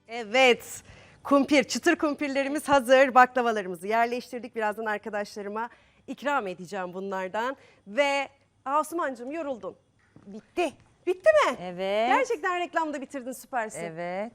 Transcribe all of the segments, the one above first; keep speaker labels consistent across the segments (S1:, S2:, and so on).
S1: Evet, kumpir, çıtır kumpirlerimiz hazır. Baklavalarımızı yerleştirdik. Birazdan arkadaşlarıma ikram edeceğim bunlardan. Ve Asumancığım yoruldun.
S2: Bitti.
S1: Bitti mi?
S2: Evet.
S1: Gerçekten reklamda bitirdin, süpersin.
S2: Evet.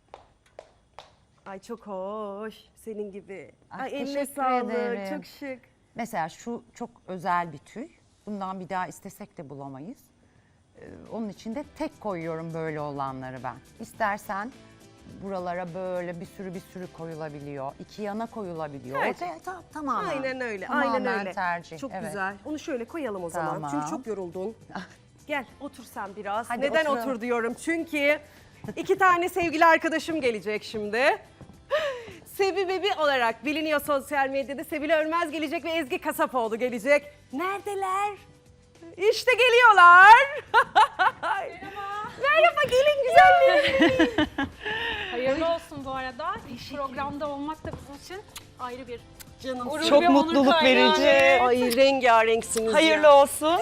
S1: Ay çok hoş, senin gibi.
S2: Ay,
S1: Ay eline
S2: teşekkür
S1: sağlık,
S2: ederim.
S1: çok şık.
S2: Mesela şu çok özel bir tüy. Bundan bir daha istesek de bulamayız. Onun için de tek koyuyorum böyle olanları ben. İstersen buralara böyle bir sürü koyulabiliyor. İki yana koyulabiliyor.
S1: Evet.
S2: Ortaya tamamen.
S1: Aynen öyle,
S2: Tamamen
S1: aynen öyle.
S2: tercih.
S1: Çok
S2: evet.
S1: güzel. Onu şöyle koyalım o zaman.
S2: Tamam.
S1: Çünkü çok yoruldun. Gel otur sen biraz.
S2: Hadi
S1: Neden
S2: oturalım.
S1: otur diyorum? Çünkü iki tane sevgili arkadaşım gelecek şimdi. Sevi Bebi olarak biliniyor sosyal medyada. Sevil Ölmez gelecek ve Ezgi Kasapoğlu gelecek. Neredeler? İşte geliyorlar. Merhaba gelin güzellerim.
S3: Hayırlı olsun bu arada. İlk programda olmak da bizim için ayrı bir
S1: Canım
S3: gurur
S4: Çok
S3: ve onur
S4: mutluluk
S3: kaynağı.
S4: verici.
S1: Ay rengarenksiniz
S4: Hayırlı
S1: ya.
S4: olsun.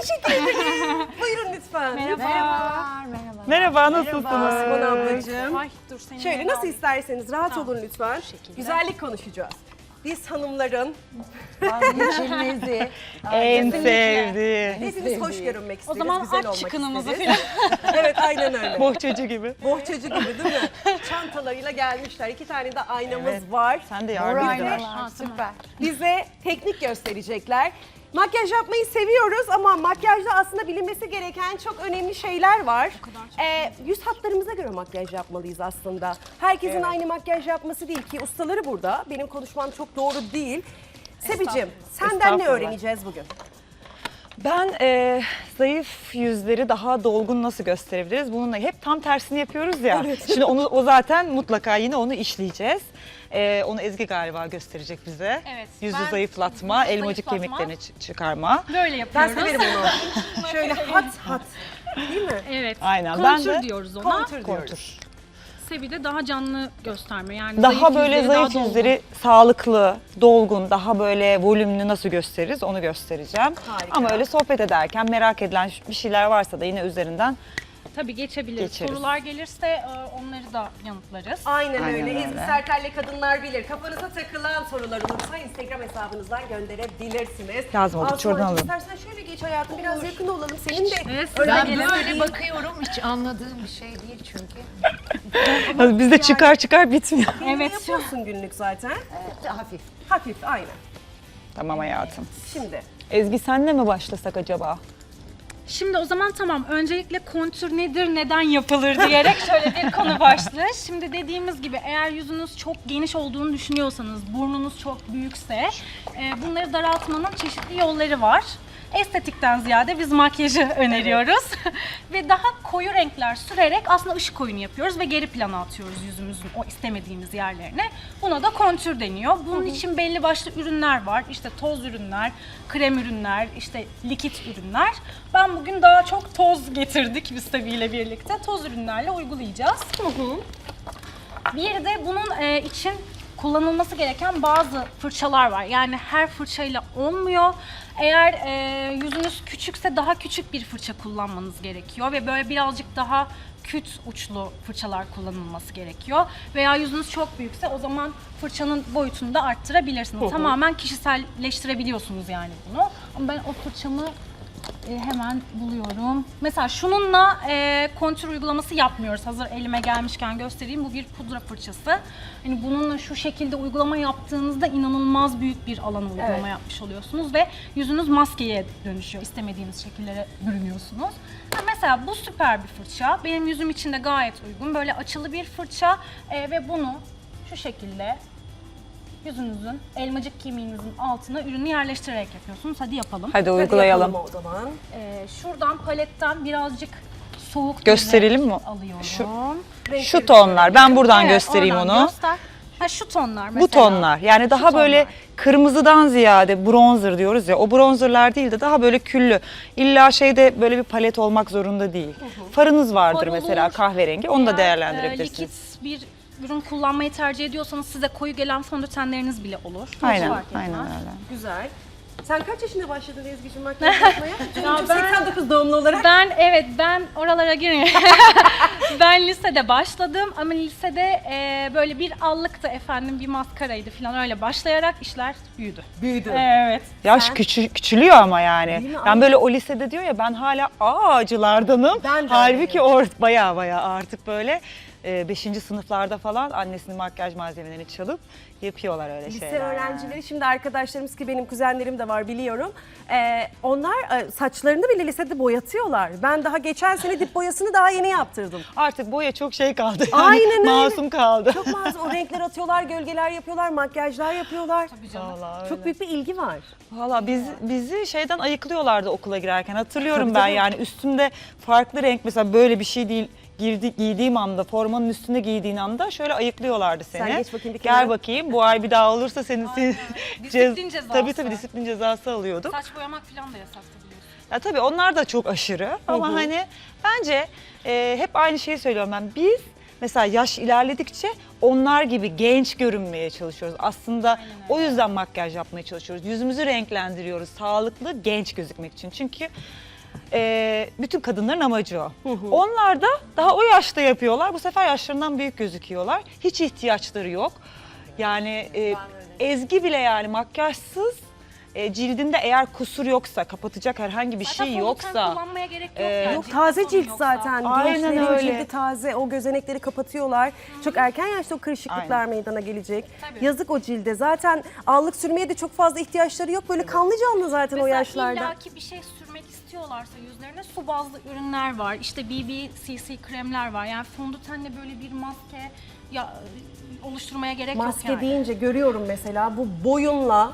S1: Buyurun lütfen.
S3: Merhaba.
S2: Merhaba.
S4: Merhaba, nasılsınız?
S1: Asuman ablacığım.
S3: Ay dur seni
S1: Şöyle
S3: yere
S1: nasıl
S3: aldım.
S1: isterseniz rahat
S3: Tamam,
S1: olun lütfen.
S3: şekilde.
S1: Güzellik konuşacağız. Biz hanımların
S2: Vazgeçilmezi.
S4: En
S3: Kesinlikle.
S4: sevdiği.
S1: hepimiz hoş görünmek
S3: O
S1: isteriz,
S3: zaman
S1: güzel
S3: aç
S1: olmak
S3: çıkınımızı
S1: isteriz.
S3: falan.
S1: Evet aynen öyle.
S4: Bohçacı gibi.
S1: Bohçacı gibi değil mi? Çantalarıyla gelmişler. 2 tane de aynamız
S4: Evet.
S1: var.
S4: Sen de
S2: Mor
S4: yardım et.
S2: aynalar,
S3: Ha,
S2: süper.
S1: Bize teknik gösterecekler. Makyaj yapmayı seviyoruz ama makyajda aslında bilinmesi gereken çok önemli şeyler var. Yüz hatlarımıza göre makyaj yapmalıyız aslında. Herkesin aynı makyaj yapması değil ki ustaları burada. Benim konuşmam çok doğru değil. Sebicim, senden ne
S4: Estağfurullah.
S1: öğreneceğiz bugün?
S4: Ben zayıf yüzleri daha dolgun nasıl gösterebiliriz? Bununla hep tam tersini yapıyoruz ya. Şimdi o zaten mutlaka yine onu işleyeceğiz. Onu Ezgi galiba gösterecek bize.
S3: Evet,
S4: Yüzü
S3: ben
S4: zayıflatma,
S3: yüzü
S4: elmacık
S3: zayıflatma.
S4: kemiklerini çıkarma.
S3: Böyle
S1: Ben
S3: yapıyoruz.
S1: severim onu. Şöyle hat hat. Değil mi?
S3: Evet.
S4: Aynen, ben
S3: Kontür
S4: de
S3: diyoruz ona.
S1: Kontür diyoruz.
S4: Kontur.
S3: Sevi de daha canlı gösterme. Yani
S4: Daha böyle
S3: yüzleri
S4: zayıf
S3: daha dolgun.
S4: yüzleri sağlıklı, dolgun, daha böyle volümlü nasıl gösteririz onu göstereceğim.
S1: Harika.
S4: Ama öyle sohbet ederken merak edilen bir şeyler varsa da yine üzerinden
S3: Tabii geçebiliriz.
S4: Geçeriz.
S3: Sorular gelirse onları da yanıtlarız.
S1: Aynen
S4: Aynen
S1: öyle.
S4: öyle.
S1: Ezgi Sertel'le kadınlar bilir. Kafanıza takılan sorular olursa Instagram hesabınızdan gönderebilirsiniz.
S4: Lazım oldu,
S1: Asumancığım,
S4: şuradan alalım.
S1: İstersen şöyle geç hayatım, biraz yakın olalım. Senin de
S3: Evet, siz de
S1: öyle
S3: gelin.
S1: böyle
S5: Bakıyorum hiç anladığım bir şey değil çünkü.
S4: bizde çıkar bitmiyor.
S3: Evet.
S1: yapıyorsun günlük zaten.
S2: Hafif.
S1: Hafif, aynen.
S4: Tamam hayatım.
S1: Şimdi
S4: Ezgi senle mi başlasak acaba?
S3: Şimdi o zaman tamam. Öncelikle kontür nedir, neden yapılır diyerek şöyle bir konu başlığı. Şimdi dediğimiz gibi eğer yüzünüz çok geniş olduğunu düşünüyorsanız, burnunuz çok büyükse bunları daraltmanın çeşitli yolları var. Estetikten ziyade biz makyajı öneriyoruz. Ve daha koyu renkler sürerek aslında ışık oyunu yapıyoruz ve geri plana atıyoruz yüzümüzün o istemediğimiz yerlerine. Buna da kontür deniyor. Bunun için belli başlı ürünler var. İşte toz ürünler, krem ürünler, işte likit ürünler. Ben bugün daha çok toz getirdik biz tabiyle birlikte. Toz ürünlerle uygulayacağız. Bir de bunun için kullanılması gereken bazı fırçalar var. Yani her fırçayla olmuyor. Eğer yüzünüz küçükse daha küçük bir fırça kullanmanız gerekiyor ve böyle birazcık daha küt uçlu fırçalar kullanılması gerekiyor. Veya yüzünüz çok büyükse o zaman fırçanın boyutunu da arttırabilirsiniz. Tamamen kişiselleştirebiliyorsunuz yani bunu. Ama ben o fırçamı hemen buluyorum. Mesela şununla kontür uygulaması yapmıyoruz. Hazır elime gelmişken göstereyim. Bu bir pudra fırçası. Hani bununla şu şekilde uygulama yaptığınızda inanılmaz büyük bir alana uygulama yapmış oluyorsunuz ve yüzünüz maskeye dönüşüyor. İstemediğiniz şekillere bürünüyorsunuz. Mesela bu süper bir fırça. Benim yüzüm için de gayet uygun. Böyle açılı bir fırça ve bunu şu şekilde yüzünüzün, elmacık kemiğinizin altına ürünü yerleştirerek yapıyorsunuz. Hadi yapalım.
S4: Hadi
S1: hadi
S4: uygulayalım.
S1: yapalım o zaman.
S3: Şuradan paletten birazcık soğuk bir
S4: Gösterelim
S3: renk
S4: mi?
S3: alıyorum.
S4: Şu tonlar. Ben buradan
S3: Evet,
S4: göstereyim
S3: oradan
S4: onu.
S3: göster. Ha, şu tonlar mesela.
S4: Bu tonlar. Yani daha
S3: Şu
S4: böyle
S3: tonlar.
S4: kırmızıdan ziyade bronzer diyoruz ya. O bronzerlar değil de daha böyle küllü. İlla şeyde böyle bir palet olmak zorunda değil. Farınız vardır
S3: Far olur.
S4: mesela kahverengi. Onu da
S3: Eğer,
S4: değerlendirebilirsiniz.
S3: likit bir ürün kullanmayı tercih ediyorsanız size koyu gelen fondötenleriniz bile olur. Hiç
S4: Aynen,
S3: fark etmez.
S4: aynen öyle.
S1: Güzel. Sen kaç yaşında başladın Ezgi'cim makyaj yapmaya? Çünkü
S3: Ya
S1: 89 doğumlu olarak.
S3: Ben oralara girmiyorum. Ben lisede başladım ama lisede böyle bir allıktı efendim, bir maskaraydı falan, öyle başlayarak işler büyüdü.
S1: Büyüdü.
S3: Evet.
S4: Yaş küçülüyor ama yani.
S1: Değil mi?
S4: Ben böyle o lisede diyor ya, ben hala ağacılardanım.
S1: Ben de
S4: Halbuki bayağı artık böyle 5. sınıflarda falan annesinin makyaj malzemelerini çalıp yapıyorlar öyle
S1: Lise
S4: şeyler.
S1: öğrencileri, şimdi arkadaşlarımız ki benim kuzenlerim de var biliyorum. Onlar saçlarını bile lisede boyatıyorlar. Ben daha geçen sene dip boyasını daha yeni yaptırdım.
S4: Artık boya çok şey kaldı yani.
S1: Aynen öyle.
S4: Masum kaldı.
S1: Çok masum, o renkler atıyorlar, gölgeler yapıyorlar, makyajlar yapıyorlar.
S4: Vallahi öyle.
S1: Çok büyük bir ilgi var.
S4: Valla bizi şeyden ayıklıyorlardı okula girerken. Hatırlıyorum
S1: Tabii,
S4: ben
S1: tabii.
S4: yani üstümde farklı renk, mesela böyle bir şey değil. Giydiğim anda, formanın üstünde giydiğin anda şöyle ayıklıyorlardı seni.
S1: Sen geç bakayım bir kenara.
S4: Gel bakayım, bu ay bir daha olursa senin
S3: Disiplin cezası.
S4: Tabii disiplin cezası alıyorduk.
S3: Saç boyamak falan da yasaktı biliyorsun.
S4: Ya tabii onlar da çok aşırı ama hani bence hep aynı şeyi söylüyorum ben. Biz mesela yaş ilerledikçe onlar gibi genç görünmeye çalışıyoruz. Aslında o yüzden makyaj yapmaya çalışıyoruz. Yüzümüzü renklendiriyoruz sağlıklı, genç gözükmek için. Çünkü bütün kadınların amacı o. Onlar da daha o yaşta yapıyorlar. Bu sefer yaşlarından büyük gözüküyorlar. Hiç ihtiyaçları yok. Yani Ezgi bile yani makyajsız, cildinde eğer kusur yoksa, kapatacak herhangi bir şey yoksa.
S3: Kullanmaya gerek yok yani.
S1: Yok,
S3: Ciltte
S1: taze
S3: sorun
S1: cilt
S3: yoksa.
S1: zaten.
S4: Aynen
S1: Gençlerin
S4: öyle.
S1: cildi taze, o gözenekleri kapatıyorlar. Çok erken yaşta o kırışıklıklar meydana gelecek.
S3: Tabii.
S1: Yazık o cilde. Zaten allık sürmeye de çok fazla ihtiyaçları yok. Böyle kanlı canlı zaten o
S3: Mesela
S1: yaşlarda.
S3: illaki bir şey sürmek istiyorlarsa yüzlerine su bazlı ürünler var. İşte BB-CC kremler var. Yani fondötenle böyle bir maske oluşturmaya gerek
S1: Maske
S3: yok yani.
S1: deyince görüyorum mesela bu boyunla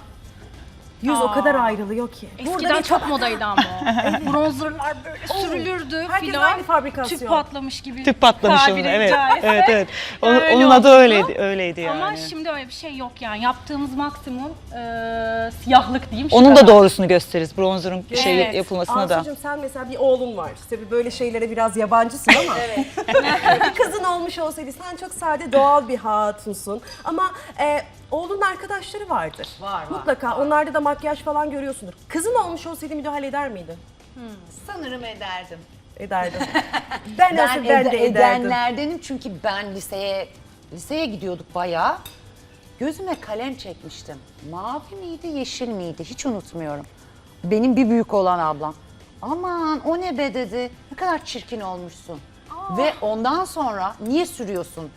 S1: yüz o kadar ayrılıyor ki.
S3: Eskiden
S1: bir
S3: çok modaydı ama o. Bronzerlar böyle sürülürdü
S1: Herkes
S3: filan.
S1: aynı fabrikasyon.
S3: Tüp patlamış gibi.
S4: Tüp patlamış onun,
S3: tabiri
S4: evet.
S3: caizse.
S4: Evet.
S3: Öyle
S4: Onun adı
S3: oldu.
S4: öyleydi yani.
S3: Ama şimdi öyle bir şey yok yani. Yaptığımız maksimum siyahlık diyeyim. şu
S4: Onun da
S3: kadar.
S4: doğrusunu gösteririz bronzerın
S3: Evet.
S4: yapılmasına da.
S1: Ansucuğum, sen mesela bir oğlun var. Tabii böyle şeylere biraz yabancısın ama. Bir kızın olmuş olsaydı, sen çok sade, doğal bir hatunsun. Ama oğlunun arkadaşları vardır.
S5: Var.
S1: Mutlaka onlarda da makyaj falan görüyorsundur. Kızın olmuş olsaydı müdahale eder miydin?
S5: Sanırım ederdim.
S1: Ederdim. Ben
S5: Ben,
S1: olsam ben de ederdim.
S5: edenlerdenim çünkü ben liseye gidiyorduk bayağı. Gözüme kalem çekmiştim. Mavi miydi, yeşil miydi? Hiç unutmuyorum. Benim bir büyük olan ablam. Aman o ne be dedi. Ne kadar çirkin olmuşsun. Ve ondan sonra niye sürüyorsun?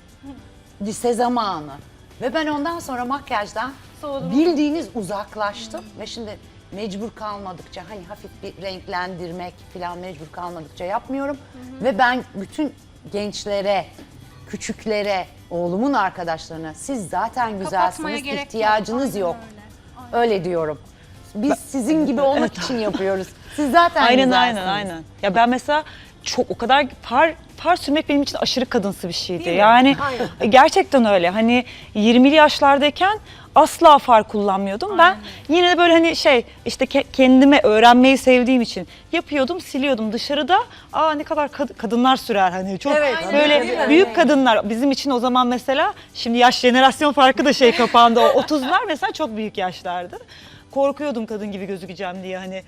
S5: Lise zamanı. Ve ben ondan sonra makyajdan bildiğiniz uzaklaştım. Ve şimdi mecbur kalmadıkça, hani hafif bir renklendirmek falan mecbur kalmadıkça yapmıyorum. Ve ben bütün gençlere, küçüklere, oğlumun arkadaşlarına, siz zaten
S3: Kapatmaya
S5: güzelsiniz,
S3: gerek
S5: ihtiyacınız
S3: Aynen
S5: yok.
S3: öyle.
S5: Öyle diyorum. Biz sizin gibi olmak için yapıyoruz. Siz zaten
S4: Aynen
S5: güzelsiniz.
S4: aynen. Ya ben mesela çok o kadar far sürmek benim için aşırı kadınsı bir şeydi.
S1: Değil mi?
S4: Yani
S1: Aynen.
S4: gerçekten öyle. Hani 20'li yaşlardayken asla far kullanmıyordum. Ben yine de böyle hani işte kendime öğrenmeyi sevdiğim için yapıyordum, siliyordum. Dışarıda ne kadar kadınlar sürer hani çok
S1: Evet,
S4: böyle
S1: değil mi?
S4: büyük kadınlar bizim için o zaman mesela, şimdi yaş jenerasyon farkı da kapandı. O 30'lar mesela çok büyük yaşlardı. Korkuyordum kadın gibi gözükeceğim diye, hani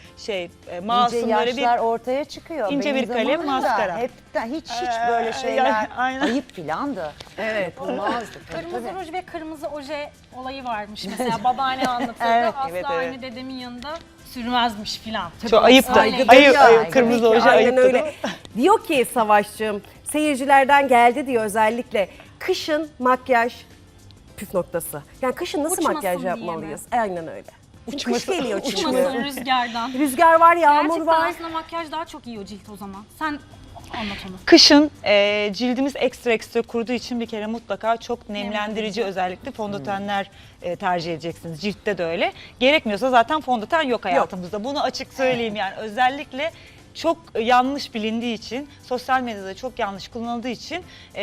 S4: masum
S5: İnce
S4: böyle bir
S5: yaşlar ortaya çıkıyor.
S4: ince
S5: Benim
S4: bir kalem,
S5: zamanımda
S4: maskara.
S5: hiç böyle şeyler
S4: yani aynen.
S5: ayıp filandı.
S1: Evet.
S5: Yapılmazdı. Tabii,
S3: Kırmızı
S5: tabii.
S3: ruj ve kırmızı oje olayı varmış mesela. Babaanne anlatırdı.
S4: Evet,
S3: Asla
S4: evet,
S3: aynı
S4: evet.
S3: dedemin yanında sürmezmiş filan.
S4: Çok ayıptı.
S3: Öyleydi.
S4: Ayıp, kırmızı oje
S1: Aynen
S4: ayıptı.
S1: öyle. Diyor ki Savaş'cığım, seyircilerden geldi diyor özellikle. Kışın makyaj püf noktası. Yani kışın nasıl
S3: Uçmasın
S1: makyaj
S3: diye
S1: yapmalıyız? Aynen öyle. Çünkü kış geliyor çünkü.
S3: Uçmasın rüzgardan.
S1: Rüzgar var, yağmur
S3: Gerçekten
S1: var.
S3: aslında makyaj daha çok iyi o cilt o zaman. Sen anlat onu.
S4: Kışın cildimiz ekstra kuruduğu için bir kere mutlaka çok nemlendirici özellikle fondötenler tercih edeceksiniz. Ciltte de öyle. Gerekmiyorsa zaten fondöten yok hayatımızda. Bunu açık söyleyeyim yani. Özellikle çok yanlış bilindiği için, sosyal medyada çok yanlış kullanıldığı için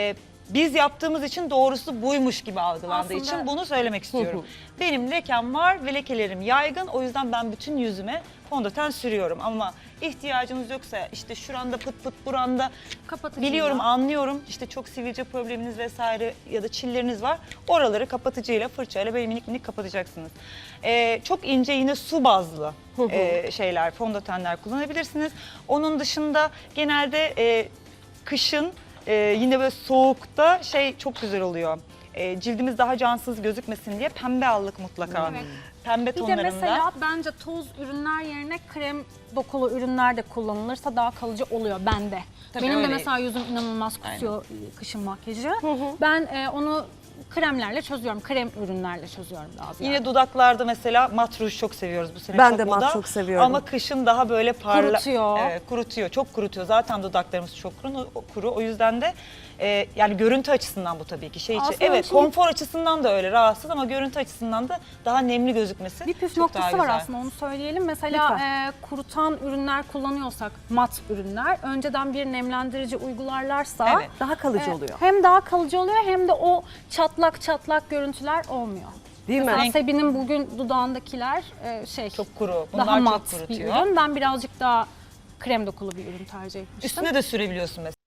S4: biz yaptığımız için doğrusu buymuş gibi algılandığı
S3: Aslında-
S4: için bunu söylemek istiyorum. Benim lekem var ve lekelerim yaygın. O yüzden ben bütün yüzüme fondöten sürüyorum. Ama ihtiyacınız yoksa işte şuranda pıt pıt buranda
S3: Kapatıcıyla.
S4: biliyorum, anlıyorum. İşte çok sivilce probleminiz vesaire ya da çilleriniz var. Oraları kapatıcıyla, fırçayla böyle minik minik kapatacaksınız. Çok ince yine su bazlı şeyler, fondötenler kullanabilirsiniz. Onun dışında genelde kışın yine böyle soğukta şey çok güzel oluyor. Cildimiz daha cansız gözükmesin diye pembe allık mutlaka.
S3: Evet.
S4: Pembe
S3: Bir de
S4: tonlarında.
S3: mesela bence toz ürünler yerine krem dokulu ürünler de kullanılırsa daha kalıcı oluyor bende.
S4: Tabii
S3: Benim de
S4: öyle.
S3: mesela yüzüm inanılmaz kusuyor kışın makyajı. Ben onu kremlerle çözüyorum. Krem ürünlerle çözüyorum daha ziyade.
S4: Yine dudaklarda mesela mat ruj çok seviyoruz bu sene.
S1: Ben
S4: çok
S1: de mat
S4: moda.
S1: çok seviyorum.
S4: Ama kışın daha böyle
S3: Kurutuyor.
S4: Evet, kurutuyor, çok kurutuyor. Zaten dudaklarımız çok kuru. O yüzden de yani görüntü açısından bu tabii ki şey için.
S3: Aslında
S4: Evet,
S3: şimdi-
S4: konfor açısından da öyle rahatsız ama görüntü açısından da daha nemli gözükmesi
S3: Bir püf
S4: çok daha
S3: noktası var
S4: güzel.
S3: aslında, onu söyleyelim. Mesela kurutan ürünler kullanıyorsak, mat ürünler, önceden bir nemlendirici uygularlarsa
S4: Evet.
S1: Daha kalıcı oluyor.
S3: hem daha kalıcı oluyor hem de o çatlak görüntüler olmuyor.
S1: Değil mi?
S3: Mesela Sebi'nin bugün dudağındakiler
S4: Çok kuru. Bunlar
S3: daha
S4: çok
S3: mat bir
S4: kurutuyor.
S3: ürün. Ben birazcık daha krem dokulu bir ürün tercih etmiştim.
S4: Üstüne de sürebiliyorsun mesela.